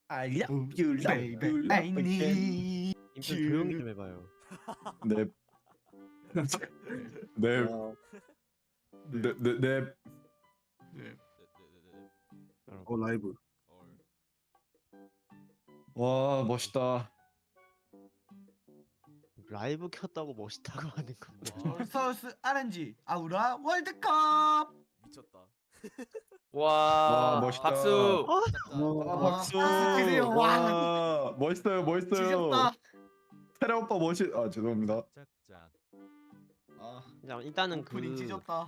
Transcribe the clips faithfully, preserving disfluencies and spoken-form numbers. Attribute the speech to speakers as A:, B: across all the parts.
A: I love you,
B: baby,
A: love you,
B: I
A: love again.
B: need
C: 임표 조용히 좀 해봐요.
A: 네. 네.
D: 와,
A: 네. 네. 네.
B: 네.
D: 어 라이브.
A: 와, 멋있다.
C: 라이브 켰다고 멋있다고 하는 건데.
B: 서울서울스 알엔지 아우라 월드컵.
E: 미쳤다.
A: 와,
F: 와
A: 멋있다.
F: 박수.
A: 아,
B: 와,
A: 박수.
B: 박수 주세요.
A: 와, 멋있어요, 멋있어요.
B: 지졌다.
A: 테라 오빠 멋있. 아, 죄송합니다.
B: 아,
C: 자, 일단은 그
B: 오프닝 찢었다.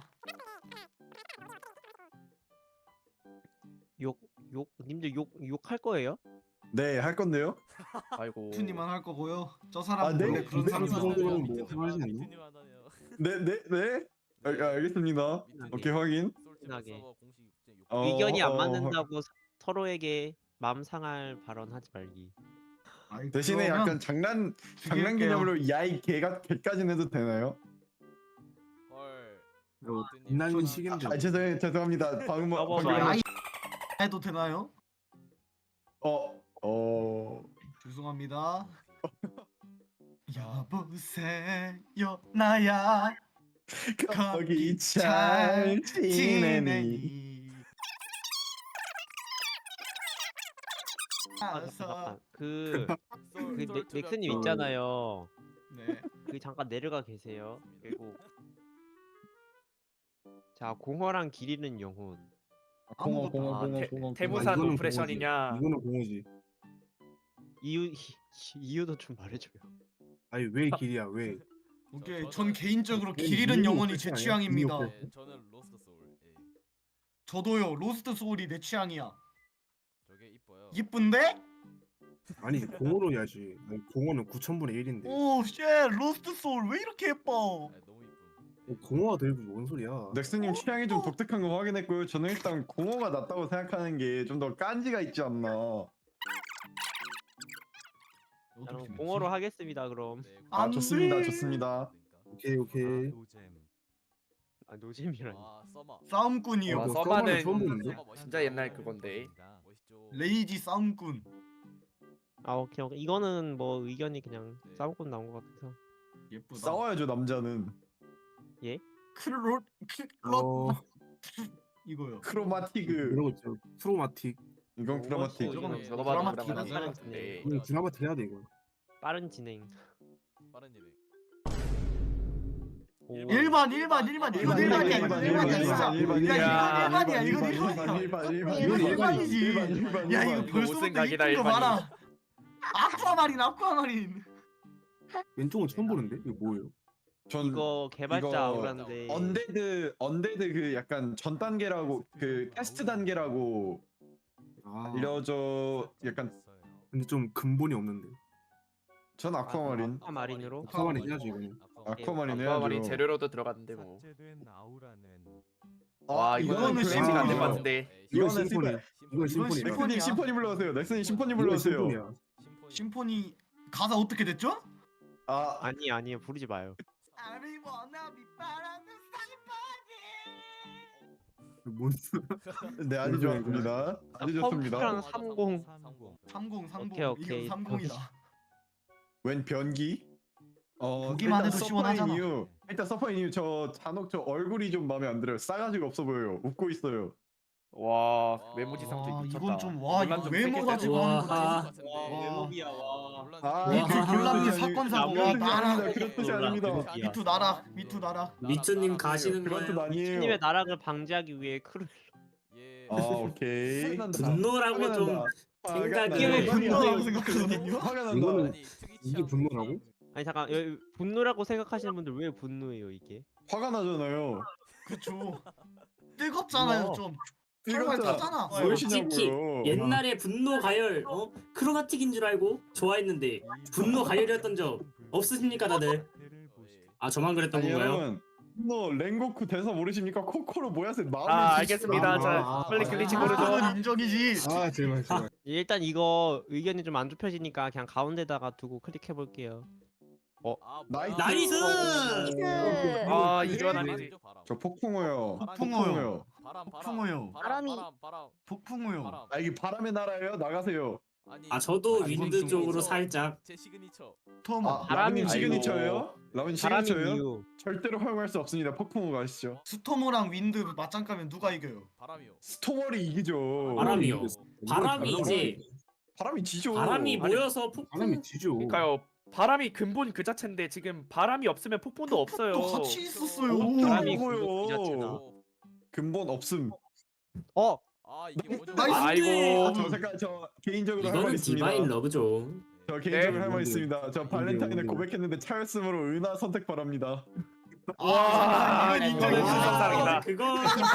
C: 욕, 욕, 님들 욕, 욕할 거예요?
A: 네, 할 건데요.
F: 아이고.
B: 투님만 할 거고요. 저 사람
A: 아, 네?
B: 원래 그런
A: 네?
B: 사람
D: 삼사 정도는
B: 사람이에요.
D: 뭐 하지 않나?
A: 네, 네, 네. 아, 아, 알겠습니다. 오케이, 확인.
C: 편하게.
A: 어,
C: 의견이 안
A: 어,
C: 맞는다고 서- 서로에게 마음 상할 발언하지 말기.
B: 아이,
A: 대신에
B: 그러면
A: 약간 장난 장난
B: 죽일게요.
A: 개념으로 야이 개가 개까지는 해도 되나요?
E: 헐.
D: 어, 빛나는 시기인데.
A: 아, 죄송해요, 죄송합니다. 방금
C: 봐봐,
A: 방금
C: 봐봐.
B: 아이 해도 되나요?
A: 어, 어.
B: 죄송합니다. 여보세요 나야
A: 거기 잘 지내니?
B: 지내니.
C: 아,
B: 알았어.
C: 잠깐만. 그, 그 넥- 넥슨님 있잖아요.
B: 네.
C: 그 잠깐 내려가 계세요. 그리고 자, 공허랑 길 잃은 영혼.
A: 공어,
B: 아무것도
A: 공어,
F: 아,
A: 공어,
F: 태-
A: 공어.
F: 태무산
D: 이거는
F: 오프레션이냐?
D: 공허지. 이거는 공허지.
C: 이유 이유도 좀 말해줘요.
D: 아니 왜 길이야 왜?
B: 오케이.
E: 저-
B: 전
E: 저는-
B: 개인적으로
D: 저는
B: 길 잃은
D: 이유
B: 영혼이
D: 없지
B: 제
D: 않아요?
B: 취향입니다.
D: 이유 없지.
E: 네, 저는 로스트 소울. 예.
B: 저도요. 로스트 소울이 내 취향이야.
E: 저게 이뻐요.
B: 이쁜데?
D: 아니 공허로 해야지. 아니, 공허는 구천분의 일인데.
B: 오, 쉣. 로스트 소울 왜 이렇게 예뻐?
E: 아, 너무 이쁨.
D: 어, 공허가 들고 뭔 소리야?
A: 넥스님 취향이 좀 독특한 거 확인했고요. 저는 일단 공어가 낫다고 생각하는 게 좀 더 깐지가 있지 않나.
C: 여러분 공허로 하겠습니다. 그럼.
E: 네,
A: 아,
B: 안
A: 좋습니다,
B: 돼.
A: 좋습니다.
D: 오케이 오케이.
C: 아 노잼이라니.
E: 와, 서머.
B: 싸움꾼이요.
D: 와,
F: 와,
D: 뭐
F: 서바는
D: 서바는 처음 보는데?
E: 서머 멋있다.
F: 진짜 옛날 그건데.
E: 멋있죠.
B: 레이지 싸움꾼.
C: 아 오케이 오케이. 이거는 뭐 의견이 그냥
E: 네.
C: 싸움꾼 나온 것 같아서.
B: 예쁘다.
A: 싸워야죠, 남자는.
B: 크롯 크롯
D: 어
B: 이거요.
A: 크로마티그.
D: 이러고 있죠. 프로마틱.
A: 이건 크로마틱.
C: 이거는
E: 네,
F: 저거
E: 드라마
F: 봐도
B: 드라마
F: 드라마
C: 드라마
F: 네.
D: 이거 드라마틱 해야 돼 이거.
C: 빠른 진행.
E: 빠른 진행.
C: 오.
B: 일반 일반 일반 이건 일반이야 이건 일반이야 진짜.
A: 일반,
B: 야
A: 일반,
B: 이건 일반이야 이건
A: 일반,
B: 일반이야.
A: 일반, 일반,
B: 이건
A: 일반,
B: 일반이지.
A: 일반, 일반,
B: 야
A: 일반.
B: 이거
F: 이거
B: 벌써부터
F: 못생각이다,
B: 이쁜 거
F: 일반인.
B: 봐라. 아쿠아마린 아쿠아마린.
D: 왼쪽은 처음 보는데 이거 뭐예요?
A: 전
C: 이거 개발자
A: 이거
C: 아우라인데.
A: 언데드 언데드 그 약간 전 단계라고 그 테스트 단계라고
D: 아
A: 알려져. 약간
D: 근데 좀 근본이 없는데.
A: 전 아쿠아마린.
C: 아쿠아마린으로.
D: 아쿠아마린 해야지 이거는.
A: 아쿠아마린
F: 아쿠아마린
A: 해야죠.
F: 재료로도 들어갔는데 뭐.
A: 아,
F: 와 이거는
B: 이거는
F: 그래픽이 안될 것
B: 심포니죠.
F: 같은데.
D: 이건
A: 이거는
D: 심포니.
A: 심포니.
D: 이건 심포니.
B: 심포니.
A: 넥슨님 심포니 불러주세요. 넥슨님 심포니
D: 이건
A: 불러주세요.
D: 심포니야.
B: 심포니 가사 어떻게 됐죠?
A: 아,
C: 아니 아니요 부르지 마요.
B: I wanna be 바라는 심포니.
D: 뭔 소-
A: 네, 아주 좋았습니다. 아주 좋습니다.
C: 컴퓨터랑 삼공.
B: 삼공 삼공
C: 오케이, 오케이.
B: 이거 삼공이다.
A: 웬 변기? 어,
B: 보기만
A: 일단
B: 해도
A: 서퍼인
B: 시원하잖아.
A: 이유, 일단 서퍼인 이유 저 잔혹 저 얼굴이 좀 마음에 안 들어요. 싸가지가 없어 보여요. 웃고 있어요.
F: 와 외모지상주의
B: 와
F: 미쳤다.
B: 이건 좀 와
F: 논란
B: 이거
F: 좀
B: 외모
F: 세게
B: 가지고
F: 세게
B: 하는
F: 세게
B: 거지.
F: 세게
B: 와.
C: 외모비야 와.
A: 아,
B: 미투
A: 그런
B: 귤남지
A: 뜻이 아니-
B: 사건 사고
A: 그런 뜻이
B: 나락.
A: 아닙니다. 그런 뜻이 아닙니다.
B: 미투 나락 미투 나락.
G: 미투님 가시는
A: 그런 뜻
G: 거예요?
A: 아니에요.
C: 님의 나락을 방지하기 위해 크루.
E: 예.
A: 아, 오케이.
G: 분노라고 좀 생각이-
B: 이게 왜
A: 분노
B: 분노라고 생각하거든요?
A: 화가 난다.
D: 이거는
E: 아니, 특이
D: 이게
E: 취향
D: 분노라고?
C: 아니 잠깐 여기 분노라고 생각하시는 분들 왜 분노해요 이게?
A: 화가 나잖아요.
B: 그쵸. 뜨겁잖아요 좀.
A: 뜨겁다.
B: 털말 타잖아.
G: 솔직히
A: 무엇이냐고요.
G: 옛날에 분노 가열 어 크로마틱인 줄 알고 좋아했는데 분노 가열이었던 적 없으십니까 다들? 아 저만 그랬던
A: 아니,
G: 건가요?
A: 여러분, 분노 랭고쿠 대사 모르십니까? 코코로 모야세 마음을
F: 아
A: 주십시오.
F: 알겠습니다.
D: 아,
F: 자
D: 아,
F: 빨리
D: 아,
F: 글리치
D: 아,
F: 고르죠.
B: 그건 인정이지.
D: 아 제발 제발.
C: 일단 이거 의견이 좀 안 좁혀지니까 그냥 가운데다가 두고 클릭해 볼게요.
E: 아,
A: 나이스.
E: 뭐야.
G: 나이스!
F: 아
A: 네.
F: 이건 아니지.
E: 바람.
A: 저 폭풍어요.
B: 폭풍어요.
E: 바람 바람.
B: 폭풍어요.
E: 바람이 바람 바람.
B: 폭풍우요.
E: 바람.
A: 아, 이게 바람의 나라예요? 나가세요.
E: 아니,
G: 아 저도
B: 아, 이건
G: 윈드
B: 좀
G: 쪽으로
E: 시그니처.
G: 살짝.
E: 제 시그니처.
B: 토모.
A: 아,
C: 바람이
A: 라빈
C: 아이고.
A: 시그니처예요? 라빈
C: 바람인
A: 시그니처예요?
C: 이유.
A: 절대로 허용할 수 없습니다. 폭풍우가 아시죠?
B: 스토모랑 윈드 맞짱 까면 누가 이겨요?
E: 바람이요.
A: 스토머리 이기죠.
G: 바람이요.
D: 이건
G: 바람이
D: 바람이-
G: 이제
A: 바람이 지죠.
G: 바람이
F: 아니,
G: 모여서 폭풍.
D: 바람이 지죠.
F: 그러니까요. 바람이 근본 그 자체인데 지금 바람이 없으면 폭풍도 없어요.
B: 또 같이 있었어요.
C: 바람이
A: 뭐요?
C: 근본 그 자체다.
E: 어,
A: 근본 없음.
C: 어
E: 아 이게 뭐죠?
B: 나이스.
F: 아이고.
A: 저 잠깐 저 개인적으로 할 말
G: 이거는
A: 있습니다.
G: 디바인 러브죠.
A: 저 개인적으로
F: 네?
A: 할 말 있습니다. 저 발렌타인에
D: 뭔데요?
A: 고백했는데 차였으므로 은하 선택 바랍니다.
F: 와,
B: 이건
F: 이거는
B: 인정해.
F: 수정상이다.
G: 그거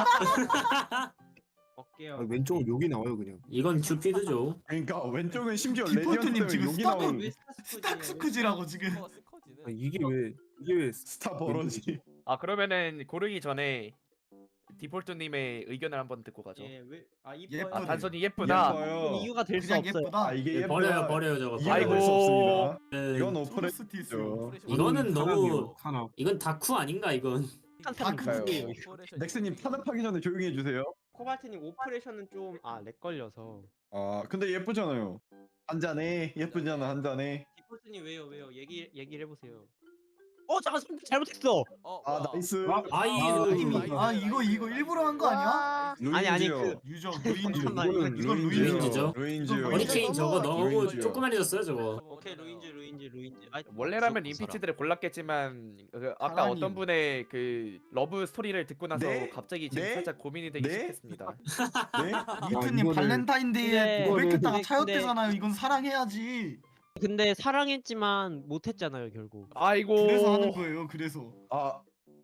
C: 어깨요.
D: 아, 왼쪽은 욕이 나와요 그냥.
G: 이건 큐피드죠.
A: 그러니까 왼쪽은 심지어
B: 디폴트님
A: 레디언트
B: 지금
A: 때문에 욕이
B: 스타크-
A: 나온
C: 왜
B: 스타크스크지라고 지금.
E: 스커, 스커지는
D: 아, 이게 왜 이게 왜
A: 스타 버러지.
F: 아 그러면은 고르기 전에 디폴트님의 의견을 한번 듣고 가죠.
C: 예, 왜? 아
B: 예쁘네.
C: 이뻐요.
F: 아 단순히 예쁘다.
A: 예뻐요.
C: 이유가 될 수
B: 그냥
C: 없어요.
B: 예쁘다.
A: 아 이게
G: 네,
A: 예뻐요.
G: 버려요 버려요 저거.
A: 이해가
F: 아이고.
A: 될수 없습니다.
G: 네,
A: 이건
B: 프로스티스.
A: 오프레죠.
G: 이거는 너무
D: 사람이요, 사람.
G: 이건 다쿠 아닌가 이건.
C: 한 사람
B: 다크예요.
C: 누구예요?
A: 넥슨님 탄압하기 전에 조용히 해주세요.
C: 코발트님 오퍼레이션은 좀 아 렉 걸려서.
A: 아 근데 예쁘잖아요. 한 잔에 예쁘잖아 한 잔에.
C: 디폴트님 왜요 왜요? 얘기 얘기를 해보세요. 어 잠깐 선택 잘못했어.
E: 어,
A: 아
E: 뭐야.
A: 나이스.
G: 아이
A: 아,
G: 이미
B: 아 이거 이거 일부러 한 거 아니야?
C: 아니, 아니,
A: 루인지요.
B: 유저 루인즈.
C: 잠깐만,
B: 이건 이건
A: 루인지요.
B: 루인즈죠.
A: 루인지요.
B: 이건
G: 허리케인 저거 너무
A: 루인지요.
G: 조그만해졌어요 저거.
C: 오케이 루인즈 루인즈 루인즈. 아이,
F: 원래라면
C: 무조건
F: 인피치들을 골랐겠지만 그 아까
B: 사랑이.
F: 어떤 분의 그 러브 스토리를 듣고 나서
A: 네?
F: 갑자기 지금
A: 네?
F: 살짝 고민이 되기
A: 네?
F: 시작했습니다.
A: 네?
B: 미트님
D: 이거를-
B: 발렌타인데이에
C: 근데-
B: 고백했다가
C: 근데-
B: 차였대잖아요. 이건 사랑해야지.
C: 근데 사랑했지만 못했잖아요 결국.
F: 아이고.
B: 그래서 하는 거예요. 그래서.
A: 아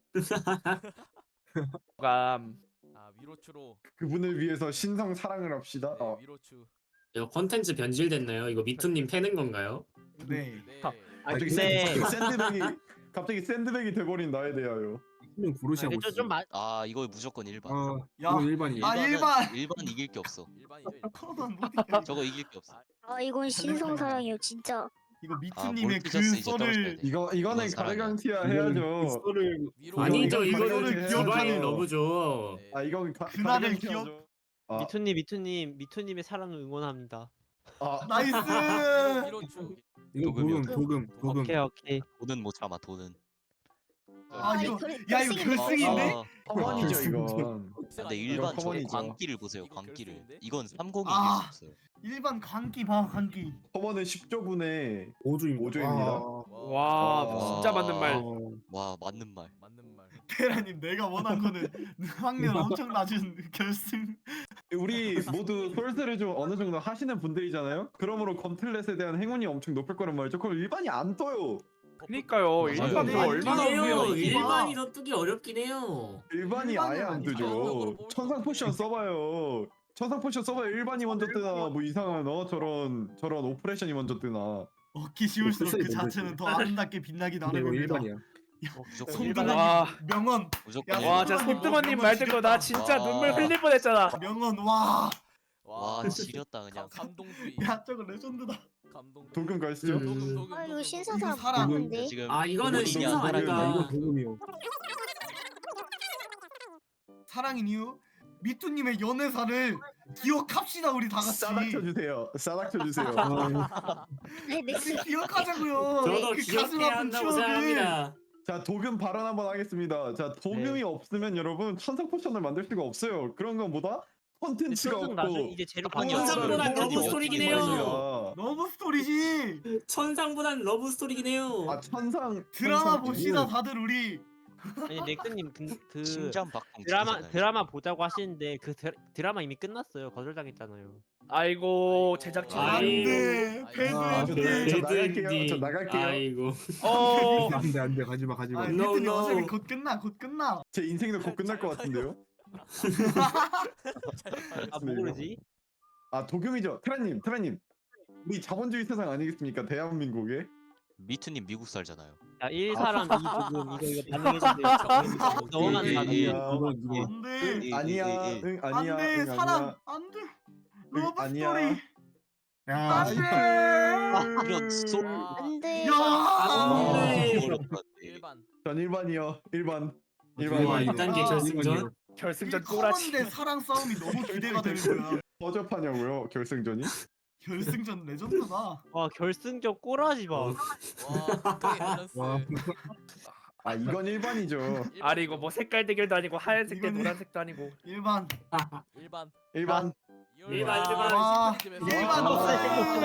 F: 감.
E: 아 위로추로.
A: 그분을 위해서 신성 사랑을 합시다.
E: 네,
A: 어.
E: 위로추.
G: 이거 컨텐츠 변질됐나요? 이거 미투님 패는 건가요?
B: 네.
E: 네.
C: 아,
A: 갑자기
C: 근데
A: 샌드- 샌드백이 갑자기 샌드백이 돼버린 나에 대하여.
D: 그냥 고르시하고
C: 좀,
D: 있어.
C: 좀 마,
H: 아 이거 무조건 일반.
D: 아
B: 야.
D: 이거 일반이에요.
B: 아, 일반.
H: 일반 이길 게 없어.
E: 일반이죠. 일반.
B: 코로나 못 이겨.
H: 저거 이길 게 없어.
I: 아 이건 신성사랑이에요 진짜.
B: 이거
H: 아,
B: 미트님의 그
H: 몰트저스 이제 떨어져야
B: 썰을
H: 돼.
A: 이거 이거는
H: 이건 사랑이야.
A: 가르강티아
D: 이거는
A: 해야죠.
D: 썰을
E: 위로.
G: 아니죠
A: 이건
G: 이거는
A: 가려져야
G: 디바인
A: 해야죠.
G: 러브죠.
E: 네.
A: 아 이건 가,
B: 그날을
A: 가르강티아죠. 아,
C: 미투님 미투님 미투님의 사랑을 응원합니다.
A: 아
B: 나이스.
E: 위로추.
D: 이거
H: 도금이요.
D: 도금 도금 도금.
C: 오케이 오케이.
H: 돈은 못 참아 돈은.
B: 아 이거
I: 결-
B: 야 이거
I: 결승이네.
B: 결승인데?
H: 아,
A: 커먼이죠 이건.
H: 근데 일반 저
A: 커먼이죠.
H: 광기를 보세요
E: 이건
H: 광기를.
E: 결승인데?
H: 이건 삼공이
B: 아.
H: 이길 수 없어요.
B: 일반 광기 봐 광기.
A: 커먼은 십 조분의
D: 오주입니다.
A: 오주입니다.
D: 아,
F: 와
A: 와.
F: 진짜 맞는 말.
D: 아,
H: 와 맞는 말.
E: 맞는 말.
B: 테라님 내가 원한 거는 확률 엄청 낮은 결승.
A: 우리 모두 솔스를 좀 어느 정도 하시는 분들이잖아요. 그러므로 검틀렛에 대한 행운이 엄청 높을 거란 말이죠. 그럼 일반이 안 떠요.
F: 그니까요.
H: 맞아요.
F: 일반도
B: 네,
F: 얼마나
B: 이게요,
F: 우겨요.
B: 이게.
G: 일반이 더 뜨기 어렵긴 해요.
A: 일반이
B: 일반은
A: 아예 안
B: 아니죠.
A: 뜨죠. 천상 포션 써봐요. 천상 포션 써봐요. 일반이 먼저 뜨나 뭐 이상한 어 저런 저런 오퍼레이션이 먼저 뜨나.
B: 얻기 쉬울수록 그
D: 글쎄,
B: 자체는 더 아름답게 빛나기
D: 근데 이거
B: 나름입니다.
D: 일반이야.
H: 무조건
B: 손
H: 일반.
B: 드는
F: 와.
B: 명언
H: 무조건
B: 야,
H: 일반.
F: 와 진짜 손두머님 말 듣고 나 진짜
H: 와.
F: 눈물 흘릴 뻔했잖아.
B: 명언 와.
H: 와 지렸다 그냥.
E: 감, 감동주의.
B: 야 저거 레전드다.
E: 감동.
A: 도금 가시죠.
G: 음.
E: 도금, 도금,
I: 아 이거
E: 도금,
I: 신성사랑
B: 이거 사랑.
I: 맞는데.
H: 지금
G: 아 이거는
H: 도금이
G: 신성
H: 안
G: 아닌가?
H: 되면
D: 이거 도금이요.
B: 사랑인 이유 미투님의 연애사를 기억합시다 우리 다 같이.
A: 싸닥 쳐주세요. 싸닥 쳐주세요.
D: 아,
I: 네, 네.
B: 같이 기억하자고요.
G: 저도
B: 그 가슴
G: 기억해야
B: 아픈
G: 한다고
B: 추억을.
G: 생각합니다.
A: 자 도금 발언 한번 하겠습니다. 자 도금이
C: 네.
A: 없으면 여러분 천상 포션을 만들 수가 없어요. 그런 건 뭐다? 콘텐츠가
C: 천상 나중
A: 없고.
C: 이제 재료
H: 아니,
C: 판이
G: 천상보다
C: 없어요.
G: 러브 스토리긴 해요.
B: 러브 스토리지.
G: 천상보단 러브 스토리긴 해요.
A: 아 천상
B: 드라마
A: 천상
B: 봅시다 다들 우리.
C: 아니 넥슨님 그, 그
H: 심장 박동.
C: 드라마
H: 죽이잖아요.
C: 드라마 보자고 하시는데 그 드, 드라마 이미 끝났어요. 거절당했잖아요.
F: 아이고 제작진.
G: 아이.
B: 안돼. 배드
A: 아, 저,
B: 엔딩.
A: 저
G: 배드
A: 나갈게요.
G: 엔딩.
A: 저 나갈게요.
G: 아이고.
F: 어.
D: 안돼 안돼 가지마 가지마.
B: 아
G: No,
B: 미투님
G: no.
B: 어차피 곧 끝나 곧 끝나.
A: 제 인생도 곧 끝날 것 같은데요.
C: 아 뭐 그러지?
A: 아 도금이죠. 테라님, 테라님. 우리 자본주의 세상 아니겠습니까? 대한민국에.
H: 미투님 미국 살잖아요.
C: 자 일 사람 이 조금 이거 이거 반응해주세요. 너만
H: 예,
C: 다
H: 예, 예.
D: 이거 이거
B: 안돼.
H: 예,
A: 아니야,
H: 예, 예.
A: 응 아니야,
B: 안돼
A: 응
B: 사랑
A: 아니야.
B: 안돼.
A: 응,
B: 러브
A: 아니야.
B: 스토리.
D: 야
B: 안돼.
H: 이런 소.
E: 아,
I: 안돼.
B: 야.
G: 아, 네.
H: 어려울 것 같아.
E: 일반.
A: 전 일반이요. 일반.
G: 와,
A: 일반.
G: 이 단계 결승전.
F: 결승전
B: 이
F: 꼬라지.
B: 커먼데 사랑 싸움이 너무 기대가 되는 거야.
A: 허접하냐고요? 결승전이?
B: 결승전 레전드다.
C: 와 결승전 꼬라지 마.
G: 어.
E: 와 극강의 밸런스.
D: 와.
A: 아 이건 일반이죠.
F: 아니 이거 뭐 색깔 대결도 아니고 하얀색 대
B: 이거는-
F: 노란색도 아니고.
B: 일반.
E: 일반.
A: 일반.
G: 일반, 일반.
B: 와,
E: 시간쯤에서-
B: 일반
E: 와.
B: 없어요.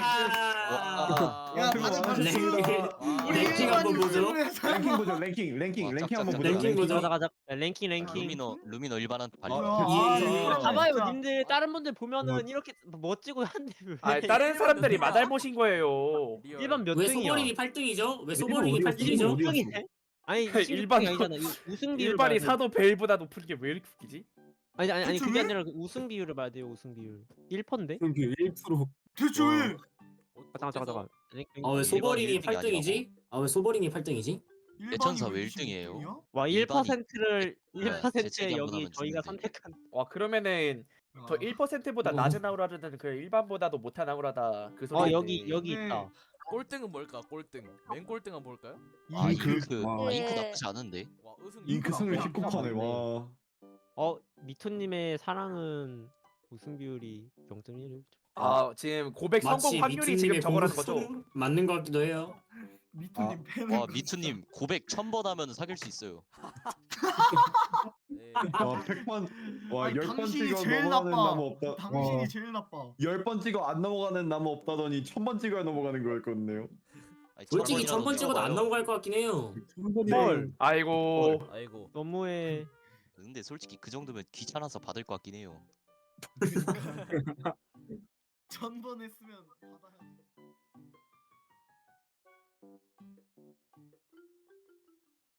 E: 와.
B: 야,
A: 그거
B: 다들
A: 와.
B: 반갑습니다.
E: 와.
B: 우리
G: 랭킹 한번
B: 일반인
G: 보죠.
B: 분들의
A: 랭킹 보죠. 랭킹 랭킹
H: 와,
A: 랭킹 한번
H: 짝짝짝.
A: 보자.
G: 랭킹 보죠.
C: 가자 가자. 야, 랭킹 랭킹.
H: 루미너 루미너 일반한테 발려.
A: 아,
B: 아,
G: 예.
B: 아,
C: 봐봐요,
B: 진짜.
C: 님들 다른 분들 보면은 이렇게 멋지고 한데 왜?
F: 아 다른 사람들이 마달 보신 거예요.
E: 리얼.
C: 일반 몇
G: 왜
C: 등이야?
G: 소버링이 팔 등이죠? 왜
D: 일반
G: 소버링이
D: 어디
G: 팔
D: 갔어?
G: 등이죠?
D: 어디 갔어?
C: 등이네? 아니
F: 일반-
C: 일반이 아니잖아. 이 우승 비율
F: 일반이
C: 봐야 돼.
F: 사도 벨보다 높은 게 왜 이렇게 웃기지?
C: 아니 아니 아니
B: 대체
C: 그게
B: 왜?
C: 아니라 그 우승 비율을 봐야 돼요. 우승 비율 일 퍼인데?
D: 그 일 퍼센트.
B: 대체 왜?
C: 잠깐 잠깐 잠깐.
G: 아 왜 소버링이
H: 일등이
G: 팔 등이지? 아 왜 소버링이 팔 등이지?
H: 대천사
B: 일반이
H: 왜
B: 왜
H: 일등이에요?
B: 이십육 등이야?
C: 와
H: 일반이-
C: 일 퍼센트를
H: 네,
C: 일 퍼센트에
H: 재채기 한번
C: 여기
H: 하면
C: 저희가
H: 죽는데.
C: 선택한
F: 와 그러면은 저
B: 아.
F: 일 퍼센트보다
G: 어.
F: 낮은 아우라는 그 일반보다도 못한 아우라다 그 소리.
C: 어 여기 여기
B: 네.
C: 있다.
E: 꼴등은 뭘까? 꼴등. 맨 꼴등 한번 볼까요?
H: 아
A: 잉크.
H: 잉크.
D: 와.
H: 아, 잉크
I: 네.
H: 나쁘지 않은데.
E: 와 우승.
A: 잉크 승률
B: 아,
A: 십구 퍼센트네. 와.
C: 어 미토님의 사랑은 우승 비율이 영 점 일.
F: 아 지금 고백 성공
G: 마치
F: 확률이 지금
G: 미투님의
F: 저거라는
G: 공부
F: 거죠?
G: 성- 맞는 것 같기도 해요.
B: 미투님 팬은
H: 와 미투님 고백 천 번 하면 사귈 수 있어요.
E: 네.
A: 와 백 번. 와
B: 아니,
A: 열 번
B: 당신이
A: 찍어
B: 제일
A: 넘어가는
B: 나빠.
A: 나무 없다.
B: 당신이
D: 와.
B: 제일 나빠.
A: 열 번 찍어 안 넘어가는 나무 없다더니 천 번 찍어야 넘어가는 거였거든요.
H: 아니,
G: 솔직히
H: 천
G: 천 번 찍어도 안
H: 찍어봐요.
G: 넘어갈 것 같긴 해요.
C: 헐.
F: 아이고
E: 아이고.
C: 너무해.
H: 근데 솔직히 그 정도면 귀찮아서 받을 것 같긴 해요.
B: 천 번 했으면 받아야지.